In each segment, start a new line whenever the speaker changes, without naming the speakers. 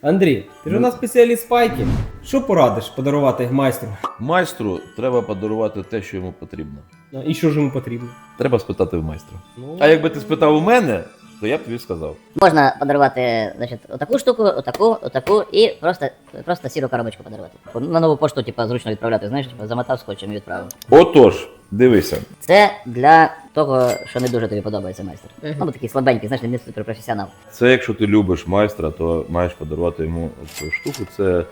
Андрій, ти ж у нас спеціаліст пайки. Що порадиш подарувати майстру?
Майстру треба подарувати те, що йому потрібно.
І що ж йому потрібно?
Треба спитати в майстра.
Ну,
А якби ти спитав у мене, то я б тобі сказав.
Можна подарувати, значить, отаку штуку, отаку і просто сіру коробочку подарувати. На нову пошту, типа, зручно відправляти, знаєш, типа, замотав скотчем і відправив.
Отож, дивися.
Це для того, що не дуже тобі подобається майстер. Ну, бо такий слабенький, знаєш, не суперпрофесіонал.
Це якщо ти любиш майстра, то маєш подарувати йому цю штуку. Це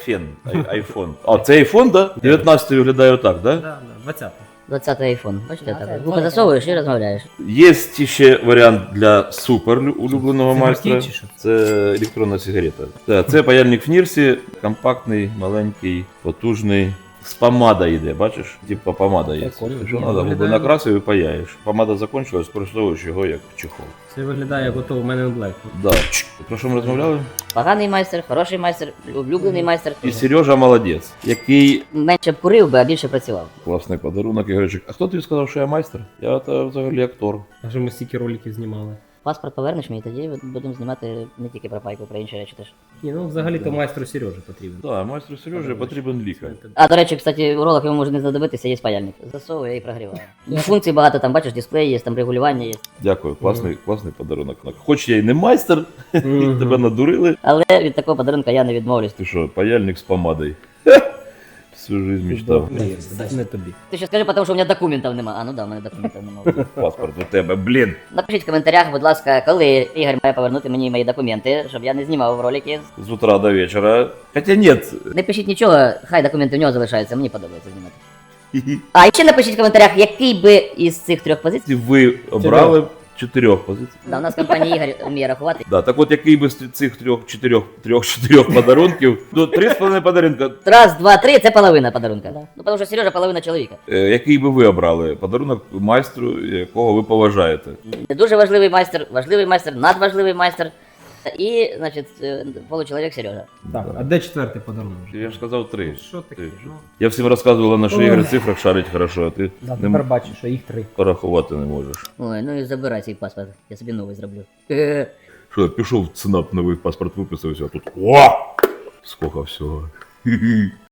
айфон. А, це айфон, так? Да? 19-й виглядає отак, так? Да?
Да, 20.
20-й айфон. Бачите, так. Губи засовуєш і розмовляєш.
Є ще варіант для супер улюбленого
Це
майстра.
гіркий чи що?
Це електронна сигарета. Це паяльник в Нірсі, компактний, маленький, потужний. З помада йде, бачиш? Типа помада є.
Прикольно.
Що
Ні,
треба, губи
виглядає-
накрасив і паяєш. Помада закінчилась, використовуєш його як чехол.
Це виглядає як ото в мене Black.
Да. Про що ми розмовляли?
Поганий майстер, хороший майстер, улюблений майстер.
І Сережа молодець, який
Менше б курив би, а більше працював.
класний подарунок. Я говорю, а хто тобі сказав, що я майстер? Я та взагалі актор.
А що ми стільки роликів знімали?
Паспорт повернеш мені, тоді будемо знімати не тільки про пайку, про інші речі теж.
Ні, ну взагалі-то майстру Сережі потрібен.
Так, майстру Сережі потрібен лікар.
А, до речі, кстати, у ролах йому може не знадобитися, є паяльник. Засовує і прогріває. Функцій багато, там бачиш, дисплей є, там регулювання є.
Дякую, класний подарунок. Хоч я й не майстер, тебе надурили.
Але від такого подарунка я не відмовлюсь.
Ти що, паяльник з помадою? Всю жизнь мечтав.
Не тобі.
Ти ще скажи, тому що у мене документів нема. А ну да, у мене документів нема.
Паспорт у тебе, блін.
Напишіть в коментарях, будь ласка, коли Ігор має повернути мені мої документи, щоб я не знімав ролики.
З утра до вечора. Хоча ні.
Не пишіть нічого, хай документи в нього залишаються, мені подобається знімати. А і ще напишіть в коментарях, який би із цих трьох позицій.
Ви обрали 4 позицій.
Да, у нас компанія Ігор вміє рахувати.
Да, так от який би з цих трьох подарунків, ну 3,5 подарунка,
Раз, два, три, це половина подарунка. Ну, тому що Сережа половина чоловіка.
який би ви обрали подарунок майстру, якого ви поважаєте?
Не дуже важливий майстер, надважливий майстер. І, значить, получеловік Сережа.
Так, а де четвертий подарунок?
Я ж сказав 3.
Що таке? Ну,
Я всім розказувала, на що
Ой.
Ігор в цифрах шарить хорошо, а ти
да,
не
тепер бачу, що їх 3.
порахувати не можеш.
Ой, ну і забирай цей паспорт, я собі новий зроблю.
Що, пішов в ЦНАП, новий паспорт виписався, а тут о! Сколько всього.